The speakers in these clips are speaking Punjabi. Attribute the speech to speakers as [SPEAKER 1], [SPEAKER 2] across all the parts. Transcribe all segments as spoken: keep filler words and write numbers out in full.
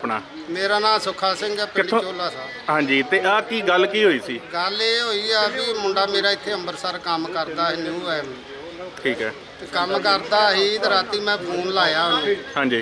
[SPEAKER 1] ਆਪਣਾ?
[SPEAKER 2] ਮੇਰਾ ਨਾਮ ਸੁੱਖਾ ਸਿੰਘ ਹੈ, ਪਿੰਡ
[SPEAKER 1] ਕਿੱਥੋਂ?
[SPEAKER 2] ਚੋਲਾ ਸਾਹਿਬ।
[SPEAKER 1] ਹਾਂਜੀ, ਤੇ ਆ ਕੀ ਗੱਲ ਕੀ ਹੋਈ ਸੀ?
[SPEAKER 2] ਗੱਲ ਇਹ ਹੋਈ ਆ ਵੀ ਮੁੰਡਾ ਮੇਰਾ ਇੱਥੇ ਅੰਮ੍ਰਿਤਸਰ ਕੰਮ ਕਰਦਾ ਹੈ, ਨਿਊ ਐਮ
[SPEAKER 1] ਠੀਕ ਹੈ।
[SPEAKER 2] ਤੇ ਕੰਮ ਕਰਦਾ ਸੀ ਤੇ ਰਾਤੀ ਮੈਂ ਫੋਨ ਲਾਇਆ ਉਹਨੂੰ
[SPEAKER 1] ਹਾਂਜੀ।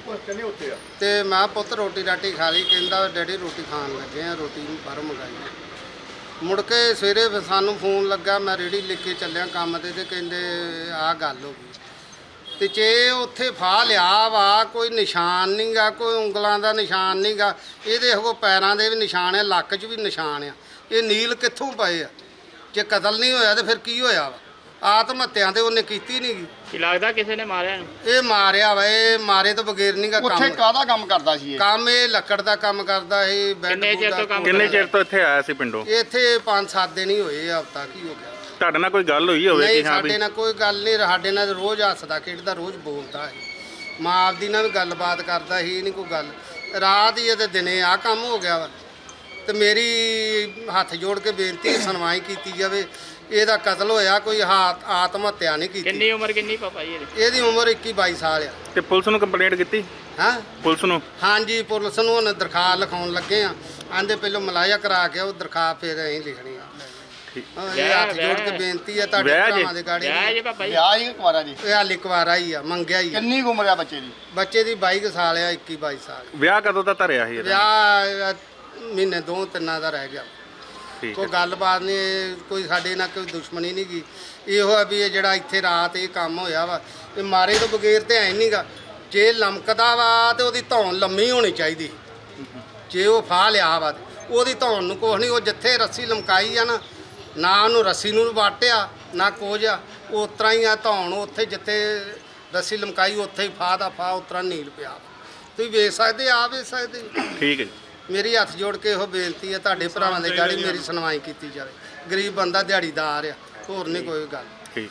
[SPEAKER 2] ਤੇ ਮੈਂ ਪੁੱਤ ਰੋਟੀ ਰਾਟੀ ਖਾ ਲਈ। ਕਹਿੰਦਾ ਡੈਡੀ ਰੋਟੀ ਖਾਣ ਲੱਗੇ ਆ, ਰੋਟੀ ਬਾਹਰੋਂ ਮੰਗਾਈ। ਮੁੜ ਕੇ ਸਵੇਰੇ ਫਿਰ ਸਾਨੂੰ ਫੋਨ ਲੱਗਾ, ਮੈਂ ਰੇੜੀ ਲੈ ਕੇ ਚੱਲਿਆ ਕੰਮ ਤੇ ਤੇ ਕਹਿੰਦੇ ਆਹ ਗੱਲ ਹੋ ਗਈ। ਤੇ ਜੇ ਉੱਥੇ ਫਾਹ ਲਿਆ ਵਾ, ਕੋਈ ਨਿਸ਼ਾਨ ਨਹੀਂ ਗਾ, ਕੋਈ ਉਂਗਲਾਂ ਦਾ ਨਿਸ਼ਾਨ ਨਹੀਂ ਗਾ, ਇਹਦੇ ਉਹ ਪੈਰਾਂ ਦੇ ਵੀ ਨਿਸ਼ਾਨ ਆ, ਲੱਕ 'ਚ ਵੀ ਨਿਸ਼ਾਨ ਆ। ਇਹ ਨੀਲ ਕਿੱਥੋਂ ਪਏ ਆ? ਜੇ ਕਤਲ ਨਹੀਂ ਹੋਇਆ ਤੇ ਫਿਰ ਕੀ ਹੋਇਆ ਵਾ? ਆਤਮ ਹੱਤਿਆ ਤੇ ਉਹਨੇ ਕੀਤੀ ਨਹੀਂ ਗੀ।
[SPEAKER 3] ਕੀ ਲੱਗਦਾ ਕਿਸੇ ਨੇ ਮਾਰਿਆ ਇਹਨੂੰ?
[SPEAKER 2] ਇਹ ਮਾਰਿਆ ਵਾ, ਇਹ ਮਾਰੇ ਤੋਂ ਬਗੈਰ ਨਹੀਂ ਗਾ
[SPEAKER 4] ਉੱਥੇ
[SPEAKER 2] ਕੰਮ।
[SPEAKER 4] ਕਾਹਦਾ ਕੰਮ ਕਰਦਾ ਸੀ ਇਹ?
[SPEAKER 2] ਕੰਮ ਇਹ ਲੱਕੜ ਦਾ ਕੰਮ ਕਰਦਾ ਇਹ। ਬੈੱਡ
[SPEAKER 3] ਕਿੰਨੇ ਚਿਰ ਤੋਂ ਕੰਮ
[SPEAKER 1] ਕਿੰਨੇ ਚਿਰ ਤੋਂ ਇੱਥੇ ਆਇਆ ਸੀ ਪਿੰਡੋਂ?
[SPEAKER 2] ਇੱਥੇ ਪੰਜ ਸੱਤ ਦਿਨ ਹੀ ਹੋਏ ਆ, ਹਫ਼ਤਾ ਕੀ ਹੋ ਗਿਆ।
[SPEAKER 1] ਤੁਹਾਡੇ ਨਾਲ ਕੋਈ ਗੱਲ ਹੋਈ ਹੋਵੇ
[SPEAKER 2] ਨਹੀਂ,
[SPEAKER 1] ਕਿ ਹਾਂ ਵੀ?
[SPEAKER 2] ਸਾਡੇ ਨਾਲ ਕੋਈ ਗੱਲ ਨਹੀਂ। ਸਾਡੇ ਨਾਲ ਰੋਜ਼ ਹੱਸਦਾ ਖੇਡਦਾ, ਰੋਜ਼ ਬੋਲਦਾ ਹੈ। ਮਾਂ ਆਪਦੀ ਨਾਲ ਵੀ ਗੱਲਬਾਤ ਕਰਦਾ ਸੀ, ਇਹ ਨਹੀਂ ਕੋਈ ਗੱਲ। ਰਾਤ ਹੀ ਤੇ ਦਿਨੇ ਆ ਕੰਮ ਹੋ ਗਿਆ ਵਾ। ਤੇ ਮੇਰੀ ਹੱਥ ਜੋੜ ਕੇ ਬੇਨਤੀ ਹੈ, ਸੁਣਵਾਈ ਕੀਤੀ ਜਾਵੇ। ਇਹਦਾ ਕਤਲ ਹੋਇਆ, ਕੋਈ ਹਾਤ ਆਤਮ ਹੱਤਿਆ ਨਹੀਂ ਕੀਤੀ।
[SPEAKER 3] ਕਿੰਨੀ ਉਮਰ ਕਿੰਨੀ ਪਾਪਾ ਜੀ ਇਹਦੀ?
[SPEAKER 2] ਇਹਦੀ ਉਮਰ ਇੱਕੀ ਬਾਈ ਸਾਲ ਆ।
[SPEAKER 1] ਤੇ ਪੁਲਿਸ ਨੂੰ ਕੰਪਲੇਂਟ ਕੀਤੀ?
[SPEAKER 2] ਹਾਂ
[SPEAKER 1] ਪੁਲਿਸ ਨੂੰ?
[SPEAKER 2] ਹਾਂਜੀ, ਪੁਲਿਸ ਨੂੰ ਹੁਣ ਦਰਖਾਸਤ ਲਿਖਾਉਣ ਲੱਗੇ ਆ। ਆਂਦੇ ਪਹਿਲਾਂ ਮਲਾਇਆ ਕਰਾ ਕੇ ਉਹ ਦਰਖਾਸਤ ਫਿਰ ਅਸੀਂ ਲਿਖਣੀ ਆ। ਹਾਂ, ਇਹ ਹੱਥ ਜੋੜ ਕੇ ਬੇਨਤੀ ਹੈ ਤੁਹਾਡੇ
[SPEAKER 1] ਵਿਆਹ ਜੀ?
[SPEAKER 2] ਭਰਾਵਾਂ ਦੇ ਗਾੜੀ।
[SPEAKER 3] ਵਿਆਹ ਜੇ ਪਾਪਾ ਜੀ?
[SPEAKER 4] ਵਿਆਹ ਹੀ ਕੁਆਰਾ ਜੀ?
[SPEAKER 2] ਇਹ ਹਾਲੇ ਕੁਵਾਰਾ ਹੀ ਆ, ਮੰਗਿਆ ਹੀ ਆ।
[SPEAKER 4] ਕਿੰਨੀ ਕੁ ਉਮਰ ਆ ਬੱਚੇ ਦੀ?
[SPEAKER 2] ਬੱਚੇ ਦੀ ਬਾਈ ਕੁ ਸਾਲ ਆ, ਇੱਕੀ ਬਾਈ ਸਾਲ।
[SPEAKER 1] ਵਿਆਹ ਕਦੋਂ ਦਾ ਧਰਿਆ ਸੀ ਇਹਦਾ?
[SPEAKER 2] ਵਿਆਹ ਮਹੀਨੇ ਦੋ ਤਿੰਨਾਂ ਦਾ ਰਹਿ ਗਿਆ।
[SPEAKER 1] ਠੀਕ
[SPEAKER 2] ਕੋਈ
[SPEAKER 1] ਹੈ।
[SPEAKER 2] ਗੱਲਬਾਤ ਨਹੀਂ, ਕੋਈ ਸਾਡੇ ਨਾਲ ਕੋਈ ਦੁਸ਼ਮਣੀ ਨਹੀਂ ਗੀ। ਇਹੋ ਆ ਵੀ ਇਹ ਜਿਹੜਾ ਇੱਥੇ ਰਾਤ ਇਹ ਕੰਮ ਹੋਇਆ ਵਾ, ਇਹ ਮਾਰੇ ਤੋਂ ਬਗੈਰ ਤੇ ਐ ਨਹੀਂਗਾ। ਜੇ ਲਮਕਦਾ ਵਾ ਤੇ ਉਹਦੀ ਧੌਣ ਲੰਮੀ ਹੋਣੀ ਚਾਹੀਦੀ। ਜੇ ਉਹ ਫਾਹ ਲਿਆ ਵਾ ਤੇ ਉਹਦੀ ਧੌਣ ਨੂੰ ਕੁਛ ਨਹੀਂ। ਉਹ ਜਿੱਥੇ ਰੱਸੀ ਲਮਕਾਈ ਆ ਨਾ, ਨਾ ਉਹਨੂੰ ਰੱਸੀ ਨੂੰ ਵਾਟਿਆ ਨਾ ਕੁਝ ਆ, ਉਸ ਤਰ੍ਹਾਂ ਹੀ ਆ ਧੌਣ। ਉੱਥੇ ਜਿੱਥੇ ਰੱਸੀ ਲਮਕਾਈ ਉੱਥੇ ਹੀ ਫਾਹ ਦਾ ਫਾਹ ਉਸ ਤਰ੍ਹਾਂ ਨੀਲ ਪਿਆ। ਤੁਸੀਂ ਵੇਖ ਸਕਦੇ, ਆ ਵੇਖ ਸਕਦੇ।
[SPEAKER 1] ਠੀਕ ਹੈ ਜੀ।
[SPEAKER 2] ਮੇਰੀ ਹੱਥ ਜੋੜ ਕੇ ਇਹੋ ਬੇਨਤੀ ਹੈ ਤੁਹਾਡੇ ਭਰਾਵਾਂ ਦੇ ਗਾੜੀ, ਮੇਰੀ ਸੁਣਵਾਈ ਕੀਤੀ ਜਾਵੇ। ਗਰੀਬ ਬੰਦਾ ਦਿਹਾੜੀਦਾਰ ਆ, ਹੋਰ ਨਹੀਂ ਕੋਈ ਗੱਲ।
[SPEAKER 1] ਠੀਕ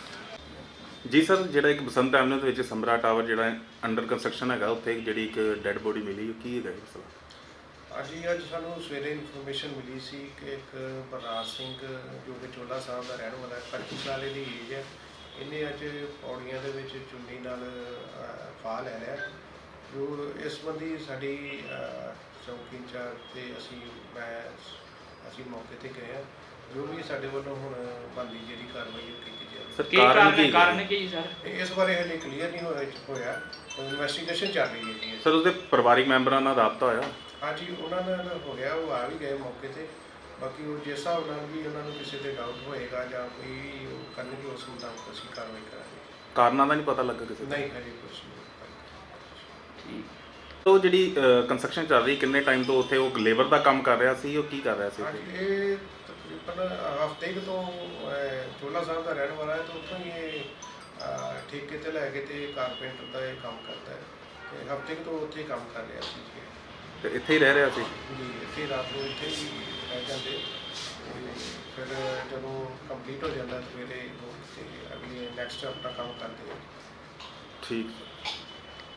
[SPEAKER 1] ਜੀ ਸਰ, ਜਿਹੜਾ ਇੱਕ ਬਸੰਤ ਐਵਨਿਊ ਦੇ ਵਿੱਚ ਸਮਰਾ ਟਾਵਰ ਜਿਹੜਾ ਅੰਡਰ ਕੰਸਟਰਕਸ਼ਨ ਹੈਗਾ, ਉੱਥੇ ਜਿਹੜੀ ਇੱਕ ਡੈੱਡ ਬੋਡੀ ਮਿਲੀ, ਉਹ ਕੀ ਹੈਗਾ ਇਹ ਮਸਲਾ?
[SPEAKER 5] ਅੱਜ ਅੱਜ ਸਾਨੂੰ ਸਵੇਰੇ ਇਨਫੋਰਮੇਸ਼ਨ ਮਿਲੀ ਸੀ ਕਿ ਇੱਕ ਬਲਰਾਜ ਸਿੰਘ ਜੋ ਕਿ ਚੋਲਾ ਸਾਹਿਬ ਦਾ ਰਹਿਣ ਵਾਲਾ ਹੈ, ਪੱਚੀ ਸਾਲ ਦੀ ਏਜ ਹੈ। ਇਹਨੇ ਅੱਜ ਪੌੜੀਆਂ ਦੇ ਵਿੱਚ ਚੁੰਨੀ ਨਾਲ ਫਾਹ ਲੈ ਲਿਆ। ਜੋ ਇਸ ਸੰਬੰਧੀ ਸਾਡੀ ਚੌਕੀ ਇੰਚਾਰਜ ਤੇ ਅਸੀਂ ਮੈਂ ਅਸੀਂ ਮੌਕੇ ਤੇ ਗਏ ਹਾਂ। ਜੋ ਵੀ ਸਾਡੇ ਵੱਲੋਂ ਹੁਣ ਬਣਦੀ ਜਿਹੜੀ ਕਾਰਵਾਈ ਉਹ ਕੀਤੀ ਜਾਵੇ।
[SPEAKER 1] ਸਰ
[SPEAKER 3] ਕੀ
[SPEAKER 1] ਕਾਰਨ
[SPEAKER 3] ਕਾਰਨ
[SPEAKER 1] ਕੀ
[SPEAKER 3] ਕਾਰਨ ਕੀ ਸਰ?
[SPEAKER 5] ਤੇ ਇਸ ਬਾਰੇ ਹਲੇ ਕਲੀਅਰ ਨਹੀਂ ਹੋਇਆ ਹੋਇਆ ਇਨਵੈਸਟੀਗੇਸ਼ਨ ਚੱਲ ਰਹੀ ਹੈ ਜੀ।
[SPEAKER 1] ਸਰ ਉਹਦੇ ਪਰਿਵਾਰਿਕ ਮੈਂਬਰਾਂ ਨਾਲ ਰਾਬਤਾ ਹੋਇਆ?
[SPEAKER 5] ਹਾਂਜੀ, ਉਹਨਾਂ ਨਾਲ ਹੋ ਗਿਆ, ਉਹ ਆ ਵੀ ਗਏ ਮੌਕੇ ਤੇ। ਬਾਕੀ ਉਹ ਜਿਸ ਹਿਸਾਬ ਨਾਲ ਵੀ ਉਹਨਾਂ ਨੂੰ ਕਿਸੇ ਤੇ ਡਾਊਟ ਹੋਏਗਾ ਜਾਂ ਕੋਈ ਉਹ ਕਰਨਗੇ, ਉਸ ਮੁਤਾਬਕ ਅਸੀਂ ਕਾਰਵਾਈ ਕਰਾਂਗੇ।
[SPEAKER 1] ਕਾਰਨਾਂ ਦਾ ਨਹੀਂ ਪਤਾ ਲੱਗਾ ਕਿਸੇ ਦਾ?
[SPEAKER 5] ਨਹੀਂ ਹਜੇ ਕੁਛ ਨਹੀਂ।
[SPEAKER 1] ਉਹ ਜਿਹੜੀ ਕੰਸਟਰਕਸ਼ਨ ਚੱਲ ਰਹੀ, ਕਿੰਨੇ ਟਾਈਮ ਤੋਂ ਉੱਥੇ ਉਹ ਲੇਬਰ ਦਾ ਕੰਮ ਕਰ ਰਿਹਾ ਸੀ? ਉਹ ਕੀ ਕਰ ਰਿਹਾ ਸੀ?
[SPEAKER 5] ਹਾਂਜੀ, ਇਹ ਤਕਰੀਬਨ ਹਫ਼ਤੇ ਕੁ ਤੋਂ ਚੋਲਾ ਸਾਹਿਬ ਦਾ ਰਹਿਣ ਵਾਲਾ ਹੈ, ਤਾਂ ਉੱਥੋਂ ਹੀ ਇਹ ਅਹ, ਠੇਕੇ ਤੇ ਲੈ ਕੇ ਤੇ ਕਾਰਪੈਂਟਰ ਦਾ ਇਹ ਕੰਮ ਕਰਦਾ ਹੈ। ਤੇ ਹਫ਼ਤੇ ਕੁ ਤੋਂ ਉੱਥੇ ਕੰਮ ਕਰ ਰਿਹਾ ਸੀ ਜੀ।
[SPEAKER 1] ਤੇ ਇੱਥੇ ਹੀ ਰਹਿ ਰਿਹਾ ਸੀ?
[SPEAKER 5] ਜੀ, ਇੱਥੇ ਰਾਤ ਨੂੰ ਇੱਥੇ ਹੀ ਰਹਿ ਜਾਂਦੇ। ਤੇ ਫਿਰ ਜਦੋਂ ਕੰਪਲੀਟ ਹੋ ਜਾਂਦਾ ਸਵੇਰੇ ਉਹ ਤੇ ਅਗਲੀ ਨੈਕਸਟ ਆਪਣਾ ਕੰਮ ਕਰਦੇ ਆ।
[SPEAKER 1] ਠੀਕ।